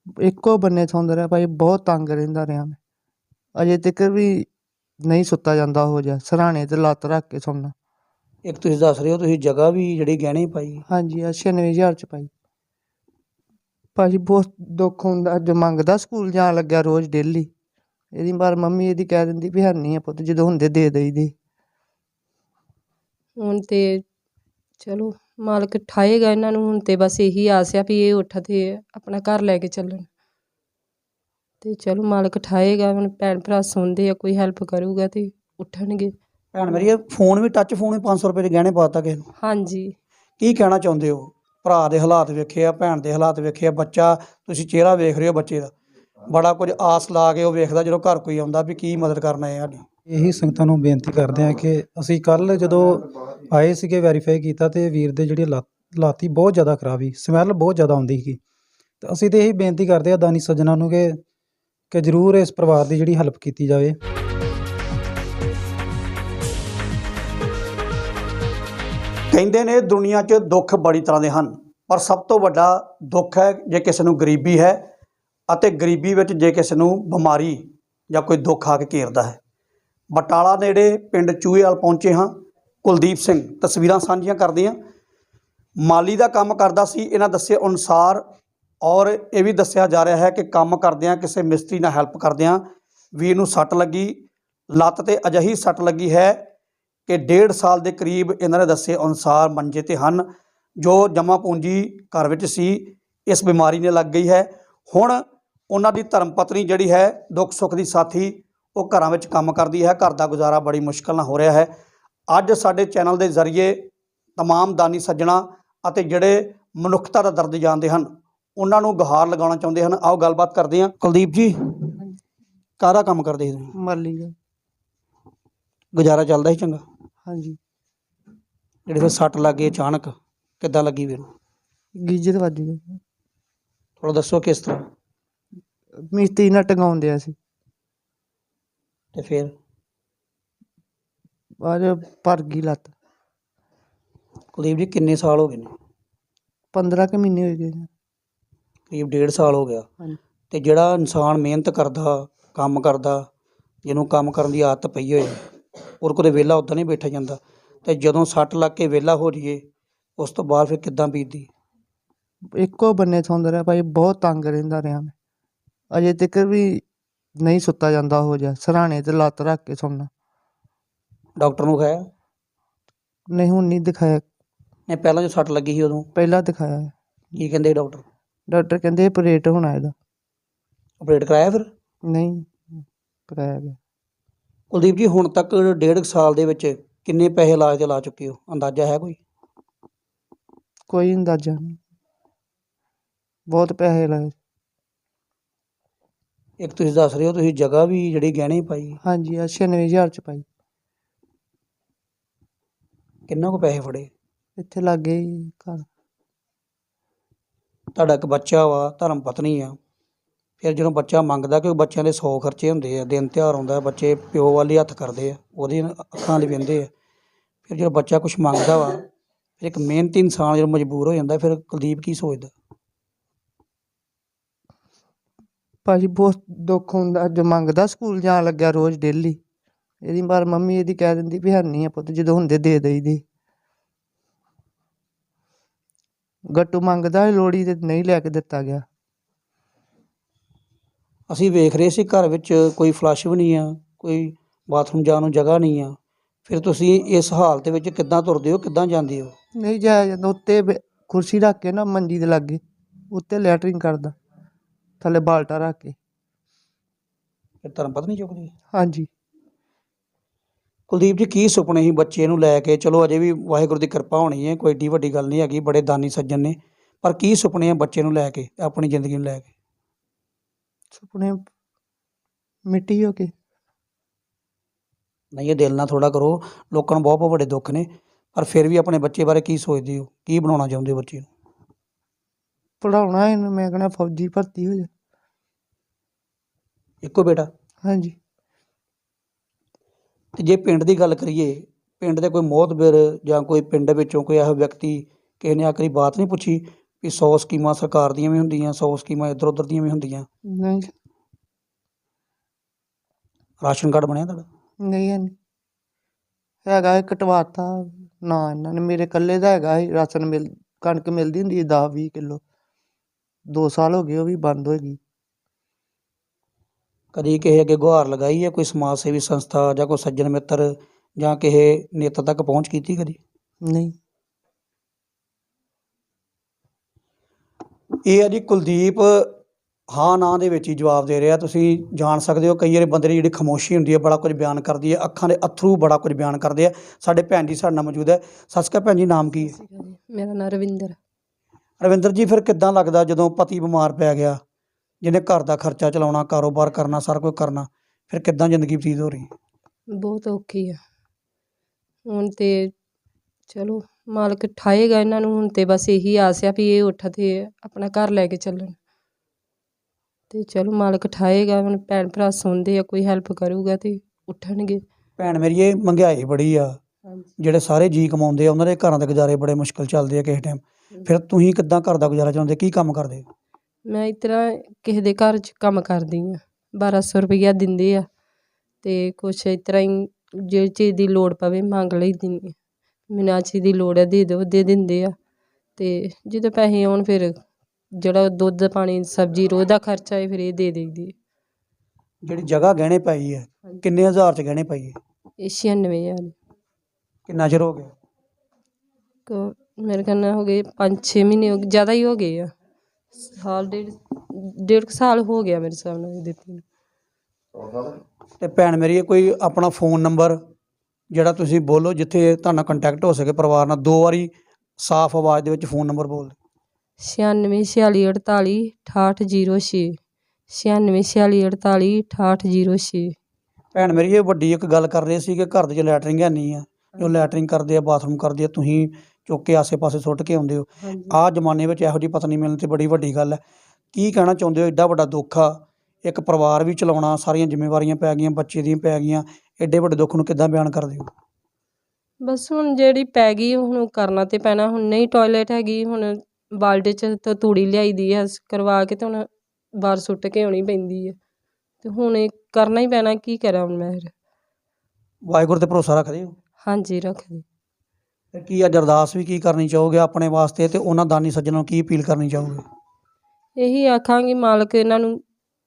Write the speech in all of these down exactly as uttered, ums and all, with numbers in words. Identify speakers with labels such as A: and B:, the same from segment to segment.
A: ਇੱਕੋ ਬੰਨੇ ਸੌਂਦਾ ਰਿਹਾ ਭਾਈ, ਬਹੁਤ ਤੰਗ ਰਹਿੰਦਾ ਰਿਹਾ ਮੈਂ। ਅਜੇ ਤੱਕ ਵੀ ਨਹੀਂ ਸੁੱਤਾ ਜਾਂਦਾ ਉਹੋ ਜਿਹਾ, ਸਿਰਹਾਣੇ 'ਤੇ ਲੱਤ ਰੱਖ ਕੇ ਸੌਂਦਾ।
B: ਇੱਕ ਤੁਸੀਂ ਦੱਸ ਰਹੇ ਹੋ ਤੁਸੀਂ ਜਗ੍ਹਾ ਵੀ ਜਿਹੜੀ ਗਹਿਣੇ ਪਾਈ।
A: ਹਾਂਜੀ ਆ ਛਿਆਨਵੇਂ ਹਜ਼ਾਰ 'ਚ ਪਾਈ। ਭਾਜੀ ਬਹੁਤ ਦੁੱਖ ਹੁੰਦਾ, ਅੱਜ ਮੰਗਦਾ ਸਕੂਲ ਜਾਣ ਲੱਗਿਆ ਰੋਜ਼ ਡੇਲੀ। ਇਹਦੀ ਪਰ ਮੰਮੀ ਇਹਦੀ ਕਹਿ ਦਿੰਦੀ ਵੀ ਹੈ ਨਹੀਂ ਆ ਪੁੱਤ, ਜਦੋਂ ਹੁੰਦੇ ਦੇ ਦੇਈਦੇ।
C: ਹੁਣ ਤੇ ਚਲੋ ਮਾਲਕ ਠਾਏਗਾ ਇਹਨਾਂ ਨੂੰ। ਹੁਣ ਤੇ ਬਸ ਇਹੀ ਆਸ ਆ ਵੀ ਇਹ ਉੱਠ ਤੇ ਆਪਣਾ ਘਰ ਲੈ ਕੇ ਚੱਲਣ, ਤੇ ਚਲੋ ਮਾਲਕ ਠਾਏਗਾ। ਹੁਣ ਭੈਣ ਭਰਾ ਸੌਂਦੇ ਆ, ਕੋਈ ਹੈਲਪ ਕਰੂਗਾ ਤੇ ਉੱਠਣਗੇ।
B: ਭੈਣ ਮੇਰੀ ਫੋਨ ਵੀ ਟੱਚ ਫੋਨ ਵੀ ਪੰਜ ਸੌ ਰੁਪਏ ਦੇ ਗਹਿਣੇ ਪਾਤਾ ਕਿਸੇ ਨੂੰ।
C: ਹਾਂਜੀ
B: ਕੀ ਕਹਿਣਾ ਚਾਹੁੰਦੇ ਹੋ? ਭਰਾ ਦੇ ਹਾਲਾਤ ਵੇਖੇ ਆ, ਭੈਣ ਦੇ ਹਾਲਾਤ ਵੇਖੇ ਆ, ਬੱਚਾ ਤੁਸੀਂ ਚਿਹਰਾ ਵੇਖ ਰਹੇ ਹੋ ਬੱਚੇ ਦਾ, ਬੜਾ ਕੁਝ ਆਸ ਲਾ ਕੇ ਉਹ ਵੇਖਦਾ ਜਦੋਂ ਘਰ ਕੋਈ ਆਉਂਦਾ ਵੀ ਕੀ ਮਦਦ ਕਰਨਾ ਹੈ ਸਾਡੀ।
D: ਇਹੀ ਸੰਗਤਾਂ ਨੂੰ ਬੇਨਤੀ ਕਰਦੇ ਹਾਂ ਕਿ ਅਸੀਂ ਕੱਲ੍ਹ ਜਦੋਂ ਆਏ ਸੀਗੇ ਵੈਰੀਫਾਈ ਕੀਤਾ ਤੇ ਵੀਰ ਦੇ ਜਿਹੜੀ ਲੱਤ ਲਾਤੀ ਬਹੁਤ ਜ਼ਿਆਦਾ ਖਰਾਬ ਸੀ, ਸਮੈਲ ਬਹੁਤ ਜ਼ਿਆਦਾ ਆਉਂਦੀ ਸੀ। ਤੇ ਅਸੀਂ ਤਾਂ ਇਹੀ ਬੇਨਤੀ ਕਰਦੇ ਹਾਂ ਦਾਨੀ ਸੱਜਣਾਂ ਨੂੰ ਕਿ ਕਿ ਜ਼ਰੂਰ ਇਸ ਪਰਿਵਾਰ ਦੀ ਜਿਹੜੀ ਹੈਲਪ ਕੀਤੀ ਜਾਵੇ।
B: ਕਹਿੰਦੇ ਨੇ ਦੁਨੀਆ 'ਚ ਦੁੱਖ ਬੜੀ ਤਰ੍ਹਾਂ ਦੇ ਹਨ, ਪਰ ਸਭ ਤੋਂ ਵੱਡਾ ਦੁੱਖ ਹੈ ਜੇ ਕਿਸੇ ਨੂੰ ਗਰੀਬੀ ਹੈ, ਅਤੇ ਗਰੀਬੀ ਵਿੱਚ ਜੇ ਕਿਸੇ ਨੂੰ ਬਿਮਾਰੀ ਜਾਂ ਕੋਈ ਦੁੱਖ ਆ ਕੇ ਘੇਰਦਾ ਹੈ। ਬਟਾਲਾ ਨੇੜੇ ਪਿੰਡ ਚੂਹੇਵਾਲ ਪਹੁੰਚੇ ਹਾਂ। ਕੁਲਦੀਪ ਸਿੰਘ ਤਸਵੀਰਾਂ ਸਾਂਝੀਆਂ ਕਰਦੇ ਹਾਂ। ਮਾਲੀ ਦਾ ਕੰਮ ਕਰਦਾ ਸੀ ਇਹਨਾਂ ਦੱਸੇ ਅਨੁਸਾਰ, ਔਰ ਇਹ ਵੀ ਦੱਸਿਆ ਜਾ ਰਿਹਾ ਹੈ ਕਿ ਕੰਮ ਕਰਦਿਆਂ ਕਿਸੇ ਮਿਸਤਰੀ ਨਾਲ ਹੈਲਪ ਕਰਦਿਆਂ ਵੀਰ ਨੂੰ ਸੱਟ ਲੱਗੀ। ਲੱਤ 'ਤੇ ਅਜਿਹੀ ਸੱਟ ਲੱਗੀ ਹੈ ਕਿ ਡੇਢ ਸਾਲ ਦੇ ਕਰੀਬ ਇਹਨਾਂ ਨੇ ਦੱਸੇ ਅਨੁਸਾਰ ਮੰਜੇ 'ਤੇ ਹਨ। ਜੋ ਜਮ੍ਹਾਂ ਪੂੰਜੀ ਘਰ ਵਿੱਚ ਸੀ ਇਸ ਬਿਮਾਰੀ ਨੇ ਲੱਗ ਗਈ ਹੈ। ਹੁਣ ਉਹਨਾਂ ਦੀ ਧਰਮ ਪਤਨੀ ਜਿਹੜੀ ਹੈ ਦੁੱਖ ਸੁੱਖ ਦੀ ਸਾਥੀ, ਉਹ ਘਰਾਂ ਵਿੱਚ ਕੰਮ ਕਰਦੀ ਹੈ। ਘਰ ਦਾ ਗੁਜ਼ਾਰਾ ਬੜੀ ਮੁਸ਼ਕਿਲ ਨਾਲ ਹੋ ਰਿਹਾ ਹੈ। ਅੱਜ ਸਾਡੇ ਚੈਨਲ ਦੇ ਜ਼ਰੀਏ ਤਮਾਮ ਦਾਨੀ ਸੱਜਣਾ ਅਤੇ ਜਿਹੜੇ ਮਨੁੱਖਤਾ ਦਾ ਦਰਦ ਜਾਣਦੇ ਹਨ ਉਹਨਾਂ ਨੂੰ ਗੁਹਾਰ ਲਗਾਉਣਾ ਚਾਹੁੰਦੇ ਹਨ। ਆਓ ਗੱਲਬਾਤ ਕਰਦੇ ਹਾਂ। ਕੁਲਦੀਪ ਜੀ, ਕਾਹਦਾ ਕੰਮ ਕਰਦੇ ਸੀ?
A: ਮਾਲੀ ਦਾ।
B: ਗੁਜ਼ਾਰਾ ਚੱਲਦਾ ਸੀ ਚੰਗਾ?
A: ਹਾਂਜੀ।
B: ਜਿਹੜੇ ਫਿਰ ਸੱਟ ਲੱਗ ਗਈ ਅਚਾਨਕ, ਕਿੱਦਾਂ ਲੱਗੀ ਵੀਰ ਨੂੰ?
A: ਗੀਜਰ ਵੱਜ ਗਈ।
B: ਥੋੜ੍ਹਾ ਦੱਸੋ ਕਿਸ ਤਰ੍ਹਾਂ?
A: ਮਿਸਤਰੀ ਨਾਲ ਟੰਗਾਉਣ ਡਿਆ ਸੀ
B: ਤੇ ਫਿਰ
A: ਬਾਅਦ ਭਰ ਗਈ ਲੱਤ।
B: ਕੁਲਦੀਪ ਜੀ ਕਿੰਨੇ ਸਾਲ ਹੋ ਗਏ ਨੇ?
A: ਪੰਦਰਾਂ ਕੁ ਮਹੀਨੇ ਹੋ ਗਏ।
B: ਕਰੀਬ ਡੇਢ ਸਾਲ ਹੋ ਗਿਆ।
A: ਹਾਂਜੀ।
B: ਤੇ ਜਿਹੜਾ ਇਨਸਾਨ ਮਿਹਨਤ ਕਰਦਾ, ਕੰਮ ਕਰਦਾ, ਜਿਹਨੂੰ ਕੰਮ ਕਰਨ ਦੀ ਆਦਤ ਪਈ ਹੋਏ, ਔਰ ਕੋਲੇ ਵਿਹਲਾ ਉੱਦਾਂ ਨਹੀਂ ਬੈਠਾ ਜਾਂਦਾ, ਅਤੇ ਜਦੋਂ ਸੱਟ ਲੱਗ ਕੇ ਵਿਹਲਾ ਹੋ ਜਾਈਏ ਉਸ ਤੋਂ ਬਾਅਦ ਫਿਰ ਕਿੱਦਾਂ ਬੀਤਦੀ?
A: ਇੱਕੋ ਬੰਨੇ ਸੌਂਦਾ ਰਿਹਾ ਭਾਈ, ਬਹੁਤ ਤੰਗ ਰਹਿੰਦਾ ਰਿਹਾ ਮੈਂ। ਅਜੇ ਤੱਕ ਵੀ ਨਹੀਂ ਸੁੱਤਾ ਜਾਂਦਾ ਉਹੋ ਜਿਹਾ, ਸਿਰਹਾਣੇ 'ਤੇ ਲੱਤ ਰੱਖ ਕੇ ਸੌਂਦਾ।
B: ਡਾਕਟਰ ਨੂੰ ਵਿਖਾਇਆ?
A: ਨਹੀਂ ਹੁਣ ਨਹੀਂ ਦਿਖਾਇਆ।
B: ਨਹੀਂ ਪਹਿਲਾਂ ਜੋ ਸੱਟ ਲੱਗੀ ਸੀ ਉਦੋਂ
A: ਪਹਿਲਾਂ ਦਿਖਾਇਆ।
B: ਕੀ ਕਹਿੰਦੇ ਡਾਕਟਰ?
A: ਡਾਕਟਰ ਕਹਿੰਦੇ ਆਪਰੇਟ ਹੋਣਾ ਇਹਦਾ।
B: ਆਪਰੇਟ ਕਰਾਇਆ ਫਿਰ?
A: ਨਹੀਂ ਕਰਾਇਆ ਗਿਆ।
B: ਕੁਲਦੀਪ ਜੀ ਹੁਣ ਤੱਕ ਡੇਢ ਕੁ ਸਾਲ ਦੇ ਵਿੱਚ ਕਿੰਨੇ ਪੈਸੇ ਇਲਾਜ 'ਤੇ ਲਾ ਚੁੱਕੇ ਹੋ, ਅੰਦਾਜ਼ਾ ਹੈ ਕੋਈ?
A: ਕੋਈ ਅੰਦਾਜ਼ਾ ਨਹੀਂ, ਬਹੁਤ ਪੈਸੇ ਲਾਏ।
B: ਇੱਕ ਤੁਸੀਂ ਦੱਸ ਰਹੇ ਹੋ ਤੁਸੀਂ ਜਗ੍ਹਾ ਵੀ ਜਿਹੜੀ ਗਹਿਣੇ ਪਾਈ।
A: ਹਾਂਜੀ ਆ ਛਿਆਨਵੇਂ ਹਜ਼ਾਰ 'ਚ ਪਾਈ।
B: ਕਿੰਨਾ ਕੁ ਪੈਸੇ ਫੜੇ?
A: ਇੱਥੇ ਲਾਗੇ ਹੀ ਘਰ।
B: ਤੁਹਾਡਾ ਇੱਕ ਬੱਚਾ ਵਾ, ਧਰਮ ਪਤਨੀ ਆ, ਫਿਰ ਜਦੋਂ ਬੱਚਾ ਮੰਗਦਾ, ਕਿਉਂਕਿ ਬੱਚਿਆਂ ਦੇ ਸੌ ਖਰਚੇ ਹੁੰਦੇ ਆ, ਦਿਨ ਤਿਉਹਾਰ ਆਉਂਦਾ, ਬੱਚੇ ਪਿਓ ਵੱਲ ਹੀ ਹੱਥ ਕਰਦੇ ਆ, ਉਹਦੀ ਅੱਖਾਂ 'ਤੇ ਵਹਿੰਦੇ ਆ। ਫਿਰ ਜਦੋਂ ਬੱਚਾ ਕੁਛ ਮੰਗਦਾ ਵਾ, ਫਿਰ ਇੱਕ ਮਿਹਨਤੀ ਇਨਸਾਨ ਜਦੋਂ ਮਜਬੂਰ ਹੋ ਜਾਂਦਾ, ਫਿਰ ਕੁਲਦੀਪ ਕੀ ਸੋਚਦਾ?
A: ਭਾਜੀ ਬਹੁਤ ਦੁੱਖ ਹੁੰਦਾ, ਅੱਜ ਮੰਗਦਾ ਸਕੂਲ ਜਾਣ ਲੱਗਿਆ ਰੋਜ਼ ਡੇਲੀ। ਇਹਦੀ ਪਰ ਮੰਮੀ ਇਹਦੀ ਕਹਿ ਦਿੰਦੀ ਵੀ ਹੈ ਨਹੀਂ ਆ ਪੁੱਤ, ਜਦੋਂ ਹੁੰਦੇ ਦੇ ਦੇਈਦੇ। ਗੱਟੂ ਮੰਗਦਾ ਲੋਹੜੀ ਤੇ ਨਹੀਂ ਲੈ ਕੇ ਦਿੱਤਾ ਗਿਆ।
B: ਅਸੀਂ ਵੇਖ ਰਹੇ ਸੀ ਘਰ ਵਿੱਚ ਕੋਈ ਫਲੱਸ਼ ਵੀ ਨਹੀਂ ਆ, ਕੋਈ ਬਾਥਰੂਮ ਜਾਣ ਨੂੰ ਜਗ੍ਹਾ ਨਹੀਂ ਆ, ਫਿਰ ਤੁਸੀਂ ਇਸ ਹਾਲਤ ਵਿੱਚ ਕਿੱਦਾਂ ਤੁਰਦੇ ਹੋ, ਕਿੱਦਾਂ ਜਾਂਦੇ ਹੋ?
A: ਨਹੀਂ ਜਾਇਆ ਜਾਂਦਾ। ਉੱਤੇ ਕੁਰਸੀ ਰੱਖ ਕੇ ਨਾ ਮੰਜੀ ਦੇ ਲਾਗੇ, ਉੱਤੇ ਲੈਟਰਿੰਗ ਕਰਦਾ, ਥੱਲੇ ਬਾਲਟਾ ਰੱਖ ਕੇ।
B: ਫਿਰ ਧਰਮ ਪਤਨੀ ਚੁੱਕਦੀ?
A: ਹਾਂਜੀ।
B: ਕੁਲਦੀਪ ਜੀ ਕੀ ਸੁਪਨੇ ਸੀ ਬੱਚੇ ਨੂੰ ਲੈ ਕੇ? ਚਲੋ ਅਜੇ ਵੀ ਵਾਹਿਗੁਰੂ ਦੀ ਕਿਰਪਾ ਹੋਣੀ ਹੈ, ਕੋਈ ਏਡੀ ਵੱਡੀ ਗੱਲ ਨਹੀਂ ਹੈਗੀ, ਬੜੇ ਦਾਨੀ ਸੱਜਣ ਨੇ, ਪਰ ਕੀ ਸੁਪਨੇ ਆ ਬੱਚੇ ਨੂੰ ਲੈ ਕੇ, ਆਪਣੀ ਜ਼ਿੰਦਗੀ ਨੂੰ ਲੈ ਕੇ?
A: ਸੁਪਨੇ ਮਿੱਟੀ ਹੋ ਕੇ।
B: ਨਹੀਂ ਇਹ ਦਿਲ ਨਾਲ ਥੋੜ੍ਹਾ ਕਰੋ, ਲੋਕਾਂ ਨੂੰ ਬਹੁਤ ਬਹੁਤ ਵੱਡੇ ਦੁੱਖ ਨੇ, ਪਰ ਫਿਰ ਵੀ ਆਪਣੇ ਬੱਚੇ ਬਾਰੇ ਕੀ ਸੋਚਦੇ ਹੋ, ਕੀ ਬਣਾਉਣਾ ਚਾਹੁੰਦੇ ਹੋ ਬੱਚੇ ਨੂੰ?
A: ਪੜ੍ਹਾਉਣਾ ਇਹਨੂੰ ਮੈਂ ਕਹਿਣਾ ਫੌਜੀ ਭਰਤੀ ਹੋ ਜਾ।
B: ਇੱਕੋ ਬੇਟਾ?
A: ਹਾਂਜੀ।
B: ਅਤੇ ਜੇ ਪਿੰਡ ਦੀ ਗੱਲ ਕਰੀਏ, ਪਿੰਡ ਦੇ ਕੋਈ ਮੋਹਤਬਰ ਜਾਂ ਕੋਈ ਪਿੰਡ ਵਿੱਚੋਂ ਕੋਈ ਇਹੋ ਵਿਅਕਤੀ ਕਿਸੇ ਨੇ ਆਖਰੀ ਬਾਤ ਨਹੀਂ ਪੁੱਛੀ ਵੀ ਸੌ ਸਕੀਮਾਂ ਸਰਕਾਰ ਦੀਆਂ ਵੀ ਹੁੰਦੀਆਂ, ਸੌ ਸਕੀਮਾਂ ਇੱਧਰ ਉੱਧਰ ਦੀਆਂ ਵੀ ਹੁੰਦੀਆਂ।
A: ਨਹੀਂ
B: ਰਾਸ਼ਨ ਕਾਰਡ ਬਣਿਆ ਤੁਹਾਡਾ?
A: ਨਹੀਂ ਹੈ ਨਹੀਂ ਹੈਗਾ ਇਹ ਕਟਵਾਤਾ ਨਾ ਇਹਨਾਂ ਨੇ। ਮੇਰੇ ਇਕੱਲੇ ਦਾ ਹੈਗਾ ਸੀ ਰਾਸ਼ਨ, ਮਿਲ ਕਣਕ ਮਿਲਦੀ ਹੁੰਦੀ ਸੀ ਦਸ ਵੀਹ ਕਿੱਲੋ, ਦੋ ਸਾਲ ਹੋ ਗਏ ਉਹ ਵੀ ਬੰਦ ਹੋ ਗਈ।
B: ਕਦੀ ਕਿਸੇ ਅੱਗੇ ਗੁਹਾਰ ਲਗਾਈ ਹੈ ਕੋਈ ਸਮਾਜ ਸੇਵੀ ਸੰਸਥਾ ਜਾਂ ਕੋਈ ਸੱਜਣ ਮਿੱਤਰ ਜਾਂ ਕਿਸੇ ਨੇਤਾ ਤੱਕ ਪਹੁੰਚ ਕੀਤੀ ਕਦੀ?
A: ਨਹੀਂ
B: ਇਹ ਹੈ ਜੀ ਕੁਲਦੀਪ ਹਾਂ ਨਾ ਦੇ ਵਿੱਚ ਹੀ ਜਵਾਬ ਦੇ ਰਿਹਾ। ਤੁਸੀਂ ਜਾਣ ਸਕਦੇ ਹੋ ਕਈ ਵਾਰੀ ਬੰਦੇ ਦੀ ਜਿਹੜੀ ਖਾਮੋਸ਼ੀ ਹੁੰਦੀ ਹੈ ਬੜਾ ਕੁਝ ਬਿਆਨ ਕਰਦੀ ਹੈ, ਅੱਖਾਂ ਦੇ ਅਥਰੂ ਬੜਾ ਕੁਝ ਬਿਆਨ ਕਰਦੇ ਆ। ਸਾਡੇ ਭੈਣ ਜੀ ਸਾਡੇ ਨਾਲ ਮੌਜੂਦ ਹੈ। ਸਤਿ ਸ਼੍ਰੀ ਅਕਾਲ ਭੈਣ ਜੀ, ਨਾਮ ਕੀ ਹੈ?
C: ਮੇਰਾ ਨਾਂ ਰਵਿੰਦਰ।
B: ਰਵਿੰਦਰ ਜੀ, ਫਿਰ ਕਿੱਦਾਂ ਲੱਗਦਾ ਜਦੋਂ ਪਤੀ ਬਿਮਾਰ ਪੈ ਗਿਆ, ਜਿਹਨੇ ਘਰ ਦਾ ਖਰਚਾ ਚਲਾਉਣਾ, ਕਾਰੋਬਾਰ ਕਰਨਾ, ਸਾਰਾ ਕੁਝ ਕਰਨਾ, ਫਿਰ ਕਿੱਦਾਂ ਜ਼ਿੰਦਗੀ ਬਤੀਤ ਹੋ ਰਹੀ?
C: ਬਹੁਤ ਔਖੀ ਆ ਹੁਣ ਤੇ। ਚਲੋ ਮਾਲਕ ਠਾਏਗਾ ਇਹਨਾਂ ਨੂੰ। ਹੁਣ ਤੇ ਬਸ ਇਹੀ ਆਸ ਆ ਵੀ ਇਹ ਉੱਠ ਤੇ ਆਪਣਾ ਘਰ ਲੈ ਕੇ ਚੱਲਣ। ਤੇ ਚਲੋ ਮਾਲਕ ਠਾਏਗਾ। ਹੁਣ ਭੈਣ ਭਰਾ ਸੁਣਦੇ ਆ, ਕੋਈ ਹੈਲਪ ਕਰੂਗਾ ਤੇ ਉੱਠਣਗੇ।
B: ਭੈਣ ਮੇਰੀ, ਇਹ ਮਹਿੰਗਾਈ ਬੜੀ ਆ,
C: ਹਾਂਜੀ
B: ਜਿਹੜੇ ਸਾਰੇ ਜੀ ਕਮਾਉਂਦੇ ਆ ਉਹਨਾਂ ਦੇ ਘਰਾਂ ਦੇ ਗੁਜ਼ਾਰੇ ਬੜੇ ਮੁਸ਼ਕਿਲ ਚੱਲਦੇ ਆ ਕਿਸੇ ਟਾਈਮ। ਫਿਰ ਤੁਸੀਂ ਕਿੱਦਾਂ ਘਰ ਦਾ ਗੁਜ਼ਾਰਾ ਚਲਾਉਂਦੇ, ਕੀ ਕੰਮ ਕਰਦੇ?
C: ਮੈਂ ਇਸ ਤਰ੍ਹਾਂ ਕਿਸੇ ਦੇ ਘਰ 'ਚ ਕੰਮ ਕਰਦੀ ਹਾਂ। ਬਾਰਾਂ ਸੌ ਰੁਪਈਆ ਦਿੰਦੇ ਆ ਅਤੇ ਕੁਛ ਇਸ ਤਰ੍ਹਾਂ ਹੀ ਜਿਹੜੀ ਚੀਜ਼ ਦੀ ਲੋੜ ਪਵੇ ਮੰਗ ਲਈ ਦੀ। ਮੈਨੂੰ ਆਹ ਚੀਜ਼ ਦੀ ਲੋੜ ਹੈ ਦੇ ਦਿਓ, ਦੇ ਦਿੰਦੇ ਆ। ਅਤੇ ਜਦੋਂ ਪੈਸੇ ਆਉਣ ਫਿਰ ਜਿਹੜਾ ਦੁੱਧ ਪਾਣੀ ਸਬਜ਼ੀ ਰੋਜ਼ ਦਾ ਖਰਚਾ ਹੈ ਫਿਰ ਇਹ ਦੇ ਦੇਈਦੀ।
B: ਜਿਹੜੀ ਜਗ੍ਹਾ ਗਹਿਣੇ ਪਾਈ ਹੈ, ਕਿੰਨੇ ਹਜ਼ਾਰ 'ਚ ਗਹਿਣੇ ਪਾਈ ਹੈ?
C: ਇਹ ਛਿਆਨਵੇਂ ਹਜ਼ਾਰ।
B: ਕਿੰਨਾ ਚਿਰ ਹੋ ਗਿਆ?
C: ਕ ਮੇਰੇ ਖਿਆਲ ਨਾਲ ਹੋ ਗਏ ਪੰਜ ਛੇ ਮਹੀਨੇ ਹੋ ਗਏ, ਜ਼ਿਆਦਾ ਹੀ ਹੋ ਗਏ ਆ। ਸਾਲ ਡੇਢ ਡੇਢ ਕੁ ਸਾਲ ਹੋ ਗਿਆ ਮੇਰੇ ਹਿਸਾਬ ਨਾਲ ਦਿੱਤੀ ਨੂੰ।
B: ਅਤੇ ਭੈਣ ਮੇਰੀ, ਇਹ ਕੋਈ ਆਪਣਾ ਫੋਨ ਨੰਬਰ ਜਿਹੜਾ ਤੁਸੀਂ ਬੋਲੋ ਜਿੱਥੇ ਤੁਹਾਡਾ ਕੰਟੈਕਟ ਹੋ ਸਕੇ ਪਰਿਵਾਰ ਨਾਲ, ਦੋ ਵਾਰੀ ਸਾਫ਼ ਆਵਾਜ਼ ਦੇ ਵਿੱਚ ਫੋਨ ਨੰਬਰ ਬੋਲ ਦਿਓ।
C: ਛਿਆਨਵੇਂ ਛਿਆਲੀ ਅਠਤਾਲੀ ਅਠਾਹਠ ਜੀਰੋ ਛੇ। ਛਿਆਨਵੇਂ ਛਿਆਲੀ ਅਠਤਾਲੀ ਅਠਾਹਠ ਜੀਰੋ ਛੇ।
B: ਭੈਣ ਮੇਰੀ, ਇਹ ਵੱਡੀ ਇੱਕ ਗੱਲ ਕਰ ਰਹੇ ਸੀ ਕਿ ਘਰ ਦੇ 'ਚ ਲੈਟਰਿੰਗ ਹੈ ਨਹੀਂ ਆ, ਜੋ ਲੈਟਰਿੰਗ ਕਰਦੇ ਆ, ਬਾਥਰੂਮ ਕਰਦੇ ਆ, ਤੁਸੀਂ ਚੁੱਕ ਕੇ ਆਸੇ ਪਾਸੇ ਸੁੱਟ ਕੇ ਆਉਂਦੇ ਹੋ। ਆਹ ਜ਼ਮਾਨੇ ਵਿੱਚ ਇਹੋ ਜਿਹੀ ਪਤਨੀ ਮਿਲਣ 'ਤੇ ਬੜੀ ਵੱਡੀ ਗੱਲ ਹੈ। ਕੀ ਕਹਿਣਾ ਚਾਹੁੰਦੇ ਹੋ? ਐਡਾ ਵੱਡਾ ਦੁੱਖ ਆ, ਇੱਕ ਪਰਿਵਾਰ ਵੀ ਚਲਾਉਣਾ, ਸਾਰੀਆਂ ਜ਼ਿੰਮੇਵਾਰੀਆਂ ਪੈ ਗਈਆਂ, ਬੱਚੇ ਦੀਆਂ ਪੈ ਗਈਆਂ, ਐਡੇ ਵੱਡੇ ਦੁੱਖ ਨੂੰ ਕਿੱਦਾਂ ਬਿਆਨ ਕਰਦੇ ਹੋ?
C: ਬਸ ਹੁਣ ਜਿਹੜੀ ਪੈ ਗਈ ਹੁਣ ਕਰਨਾ ਤੇ ਪੈਣਾ। ਹੁਣ ਨਹੀਂ ਟੋਇਲੇਟ ਹੈਗੀ, ਹੁਣ ਬਾਲਟੇ 'ਚ ਤਾਂ ਤੂੜੀ ਲਿਆਈ ਦੀ ਆ ਕਰਵਾ ਕੇ, ਤੇ ਹੁਣ ਬਾਹਰ ਸੁੱਟ ਕੇ ਆਉਣੀ ਪੈਂਦੀ ਹੈ। ਅਤੇ ਹੁਣ ਇਹ ਕਰਨਾ ਹੀ ਪੈਣਾ, ਕੀ ਕਰਾਂ ਹੁਣ ਮੈਂ ਫਿਰ।
B: ਵਾਹਿਗੁਰੂ 'ਤੇ ਭਰੋਸਾ ਰੱਖਦੇ ਹੋ?
C: ਹਾਂਜੀ ਰੱਖਦੀ।
B: ਅਤੇ ਕੀ ਅੱਜ ਅਰਦਾਸ ਵੀ ਕੀ ਕਰਨੀ ਚਾਹੋਗੇ ਆਪਣੇ ਵਾਸਤੇ, ਅਤੇ ਉਹਨਾਂ ਦਾਨੀ ਸੱਜਣਾਂ ਨੂੰ ਕੀ ਅਪੀਲ ਕਰਨੀ ਚਾਹੋਗੇ?
C: ਇਹੀ ਆਖਾਂਗੀ ਮਾਲਕ ਇਹਨਾਂ ਨੂੰ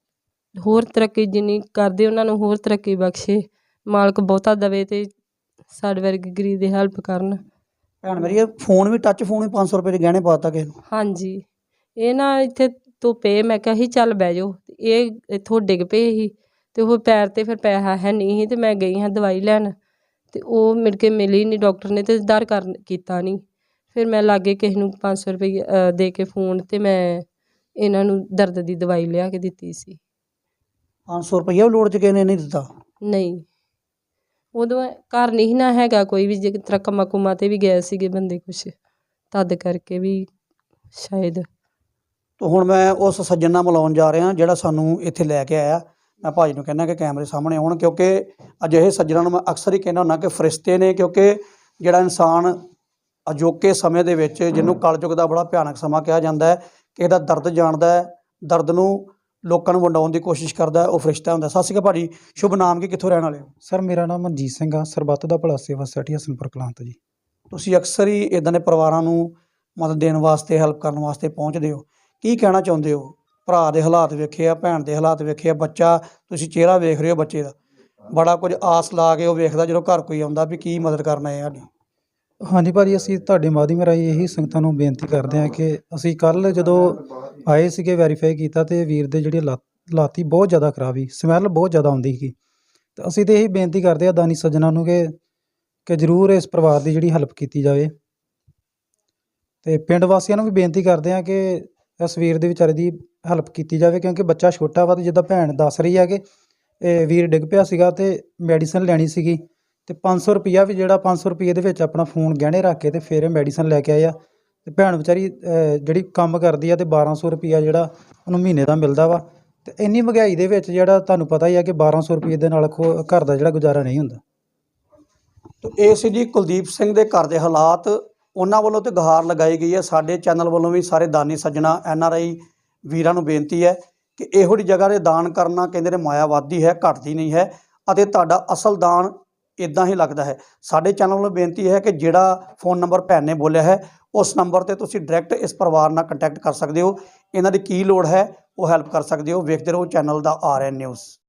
C: ਹੋਰ ਤਰੱਕੀ, ਜਿੰਨੀ ਕਰਦੇ ਉਹਨਾਂ ਨੂੰ ਹੋਰ ਤਰੱਕੀ ਬਖਸ਼ੇ। ਮਾਲਕ ਬਹੁਤਾ ਦੇਵੇ ਅਤੇ ਸਾਡੇ ਵਰਗੇ ਗਰੀਬ ਦੀ ਹੈਲਪ ਕਰਨ।
B: ਭੈਣ ਮੇਰੀ, ਇਹ ਫੋਨ ਵੀ ਟੱਚ ਫੋਨ ਵੀ ਪੰਜ ਸੌ ਰੁਪਏ ਦੇ ਗਹਿਣੇ ਪਾ ਦਿੱਤਾ ਕਿਸੇ ਨੂੰ?
C: ਹਾਂਜੀ, ਇਹ ਨਾ ਇੱਥੇ ਧੁੱਪੇ ਮੈਂ ਕਿਹਾ ਸੀ ਚੱਲ ਬਹਿ ਜਾਓ, ਇਹ ਇੱਥੋਂ ਡਿੱਗ ਪਏ ਸੀ ਅਤੇ ਉਹ ਪੈਰ 'ਤੇ ਫਿਰ ਪੈਸਾ ਹੈ ਨਹੀਂ ਸੀ, ਅਤੇ ਮੈਂ ਗਈ ਹਾਂ ਦਵਾਈ ਲੈਣ ਅਤੇ ਉਹ ਮਿਲ ਕੇ ਮਿਲੀ ਨਹੀਂ ਡਾਕਟਰ ਨੇ, ਅਤੇ ਦਰ ਕਰ ਕੀਤਾ ਨਹੀਂ। ਫਿਰ ਮੈਂ ਲਾਗੇ ਕਿਸੇ ਨੂੰ ਪੰਜ ਸੌ ਰੁਪਈਆ ਦੇ ਕੇ ਫੋਨ 'ਤੇ ਮੈਂ ਇਹਨਾਂ ਨੂੰ ਦਰਦ ਦੀ ਦਵਾਈ ਲਿਆ ਕੇ ਦਿੱਤੀ ਸੀ।
B: ਪੰਜ ਸੌ ਰੁਪਈਆ ਵੀ ਲੋੜ 'ਚ ਕਿਸੇ ਨੇ ਨਹੀਂ ਦਿੱਤਾ?
C: ਨਹੀਂ, ਉਦੋਂ ਘਰ ਨਹੀਂ ਸੀ ਨਾ ਹੈਗਾ ਕੋਈ ਵੀ, ਜਿਸ ਤਰ੍ਹਾਂ ਕੰਮਾਂ ਕੁੰਮਾਂ 'ਤੇ ਵੀ ਗਏ ਸੀਗੇ ਬੰਦੇ ਕੁਛ, ਤਦ ਕਰਕੇ ਵੀ ਸ਼ਾਇਦ।
B: ਤਾਂ ਹੁਣ ਮੈਂ ਉਸ ਸੱਜਣ ਨਾਲ ਮਿਲਾਉਣ ਜਾ ਰਿਹਾ ਜਿਹੜਾ ਸਾਨੂੰ ਇੱਥੇ ਲੈ ਕੇ ਆਇਆ। ਮੈਂ ਭਾਜੀ ਨੂੰ ਕਹਿੰਦਾ ਕਿ ਕੈਮਰੇ ਸਾਹਮਣੇ ਆਉਣ, ਕਿਉਂਕਿ ਅਜਿਹੇ ਸੱਜਣਾਂ ਨੂੰ ਮੈਂ ਅਕਸਰ ਹੀ ਕਹਿੰਦਾ ਹੁੰਦਾ ਕਿ ਫਰਿਸ਼ਤੇ ਨੇ। ਕਿਉਂਕਿ ਜਿਹੜਾ ਇਨਸਾਨ ਅਜੋਕੇ ਸਮੇਂ ਦੇ ਵਿੱਚ, ਜਿਹਨੂੰ ਕਲਯੁੱਗ ਦਾ ਬੜਾ ਭਿਆਨਕ ਸਮਾਂ ਕਿਹਾ ਜਾਂਦਾ ਹੈ, ਕਿਸੇ ਦਾ ਦਰਦ ਜਾਣਦਾ ਹੈ, ਦਰਦ ਨੂੰ ਲੋਕਾਂ ਨੂੰ ਵੰਡਾਉਣ ਦੀ ਕੋਸ਼ਿਸ਼ ਕਰਦਾ, ਉਹ ਫਰਿਸ਼ਤਾ ਹੁੰਦਾ। ਸਤਿ ਸ਼੍ਰੀ ਅਕਾਲ ਭਾਜੀ, ਸ਼ੁਭ ਨਾਮ ਕੀ, ਕਿੱਥੋਂ ਰਹਿਣ ਵਾਲੇ ਹੋ?
D: ਸਰ ਮੇਰਾ ਨਾਮ ਮਨਜੀਤ ਸਿੰਘ ਆ, ਸਰਬੱਤ ਦਾ ਭਲਾ ਸੇਵਾ ਸੁਸਾਇਟੀ ਹਸਨਪੁਰ ਕਲਾਂ ਤੋਂ ਜੀ।
B: ਤੁਸੀਂ ਅਕਸਰ ਹੀ ਇੱਦਾਂ ਦੇ ਪਰਿਵਾਰਾਂ ਨੂੰ ਮਦਦ ਦੇਣ ਵਾਸਤੇ, ਹੈਲਪ ਕਰਨ ਵਾਸਤੇ ਪਹੁੰਚਦੇ ਹੋ। ਕੀ ਕਹਿਣਾ ਚਾਹੁੰਦੇ ਹੋ? ਭਰਾ ਦੇ ਹਾਲਾਤ ਵੇਖੇ ਆ, ਭੈਣ ਦੇ ਹਾਲਾਤ ਵੇਖੇ ਆ, ਬੱਚਾ ਤੁਸੀਂ ਚਿਹਰਾ ਵੇਖ ਰਹੇ ਹੋ ਬੱਚੇ ਦਾ, ਬੜਾ ਕੁਝ ਆਸ ਲਾ ਕੇ ਉਹ ਵੇਖਦਾ ਜਦੋਂ ਘਰ ਕੋਈ ਆਉਂਦਾ ਵੀ ਕੀ ਮਦਦ ਕਰਨਾ ਹੈ ਸਾਡੀ।
D: ਹਾਂਜੀ ਭਾਜੀ, ਅਸੀਂ ਤੁਹਾਡੇ ਮਾਧਿਅਮ ਰਾਹੀਂ ਇਹੀ ਸੰਗਤਾਂ ਨੂੰ ਬੇਨਤੀ ਕਰਦੇ ਹਾਂ ਕਿ ਅਸੀਂ ਕੱਲ੍ਹ ਜਦੋਂ ਆਏ ਸੀਗੇ ਵੈਰੀਫਾਈ ਕੀਤਾ, ਅਤੇ ਵੀਰ ਦੇ ਜਿਹੜੀ ਲੱਤ ਲਾਤੀ ਬਹੁਤ ਜ਼ਿਆਦਾ ਖਰਾਬ ਸੀ, ਸਮੈਲ ਬਹੁਤ ਜ਼ਿਆਦਾ ਆਉਂਦੀ ਸੀ। ਅਤੇ ਅਸੀਂ ਤਾਂ ਇਹੀ ਬੇਨਤੀ ਕਰਦੇ ਹਾਂ ਦਾਨੀ ਸੱਜਣਾਂ ਨੂੰ ਕਿ ਕਿ ਜ਼ਰੂਰ ਇਸ ਪਰਿਵਾਰ ਦੀ ਜਿਹੜੀ ਹੈਲਪ ਕੀਤੀ ਜਾਵੇ। ਅਤੇ ਪਿੰਡ ਵਾਸੀਆਂ ਨੂੰ ਵੀ ਬੇਨਤੀ ਕਰਦੇ ਹਾਂ ਕਿ ਇਸ ਵੀਰ ਦੇ ਵਿਚਾਰੇ ਦੀ ਹੈਲਪ ਕੀਤੀ ਜਾਵੇ, ਕਿਉਂਕਿ ਬੱਚਾ ਛੋਟਾ ਵਾ, ਅਤੇ ਜਿੱਦਾਂ ਭੈਣ ਦੱਸ ਰਹੀ ਹੈ ਕਿ ਇਹ ਵੀਰ ਡਿੱਗ ਪਿਆ ਸੀਗਾ ਅਤੇ ਮੈਡੀਸਨ ਲੈਣੀ ਸੀਗੀ, ਅਤੇ ਪੰਜ ਸੌ ਰੁਪਈਆ ਵੀ ਜਿਹੜਾ ਪੰਜ ਸੌ ਰੁਪਈਏ ਦੇ ਵਿੱਚ ਆਪਣਾ ਫੋਨ ਗਹਿਣੇ ਰੱਖ ਕੇ ਅਤੇ ਫਿਰ ਇਹ ਮੈਡੀਸਨ ਲੈ ਕੇ ਆਏ ਆ। ਅਤੇ ਭੈਣ ਵਿਚਾਰੀ ਜਿਹੜੀ ਕੰਮ ਕਰਦੀ ਆ, ਅਤੇ ਬਾਰਾਂ ਸੌ ਰੁਪਈਆ ਜਿਹੜਾ ਉਹਨੂੰ ਮਹੀਨੇ ਦਾ ਮਿਲਦਾ ਵਾ। ਅਤੇ ਇੰਨੀ ਮਹਿੰਗਾਈ ਦੇ ਵਿੱਚ ਜਿਹੜਾ ਤੁਹਾਨੂੰ ਪਤਾ ਹੀ ਆ ਕਿ ਬਾਰਾਂ ਸੌ ਰੁਪਈਏ ਦੇ ਨਾਲ ਖੋ ਘਰ ਦਾ ਜਿਹੜਾ ਗੁਜ਼ਾਰਾ ਨਹੀਂ ਹੁੰਦਾ।
B: ਇਹ ਸੀ ਜੀ ਕੁਲਦੀਪ ਸਿੰਘ ਦੇ ਘਰ ਦੇ ਹਾਲਾਤ, ਉਹਨਾਂ ਵੱਲੋਂ ਤੇ ਗੁਹਾਰ ਲਗਾਈ ਗਈ ਹੈ। ਸਾਡੇ ਚੈਨਲ ਵੱਲੋਂ ਵੀ ਸਾਰੇ ਦਾਨੀ ਸੱਜਣਾ ਐਨ ਆਰ ਆਈ ਵੀਰਾਂ ਨੂੰ ਬੇਨਤੀ ਹੈ ਕਿ ਇਹੋ ਜਿਹੀ ਜਗ੍ਹਾ 'ਤੇ ਦਾਨ ਕਰਨਾ ਕਹਿੰਦੇ ਨੇ ਮਾਇਆ ਵੱਧਦੀ ਹੈ, ਘਟਦੀ ਨਹੀਂ ਹੈ ਅਤੇ ਤੁਹਾਡਾ ਅਸਲ ਦਾਨ ਇੱਦਾਂ ਹੀ ਲੱਗਦਾ ਹੈ। ਸਾਡੇ ਚੈਨਲ ਵੱਲੋਂ ਬੇਨਤੀ ਹੈ ਕਿ ਜਿਹੜਾ ਫ਼ੋਨ ਨੰਬਰ ਭੈਣ ਨੇ ਬੋਲਿਆ ਹੈ ਉਸ ਨੰਬਰ 'ਤੇ ਤੁਸੀਂ ਡਾਇਰੈਕਟ ਇਸ ਪਰਿਵਾਰ ਨਾਲ ਕੰਟੈਕਟ ਕਰ ਸਕਦੇ ਹੋ। ਇਹਨਾਂ ਦੀ ਕੀ ਲੋੜ ਹੈ ਉਹ ਹੈਲਪ ਕਰ ਸਕਦੇ ਹੋ। ਵੇਖਦੇ ਰਹੋ ਚੈਨਲ ਦਾ ਆਰ ਐਨ ਨਿਊਜ਼।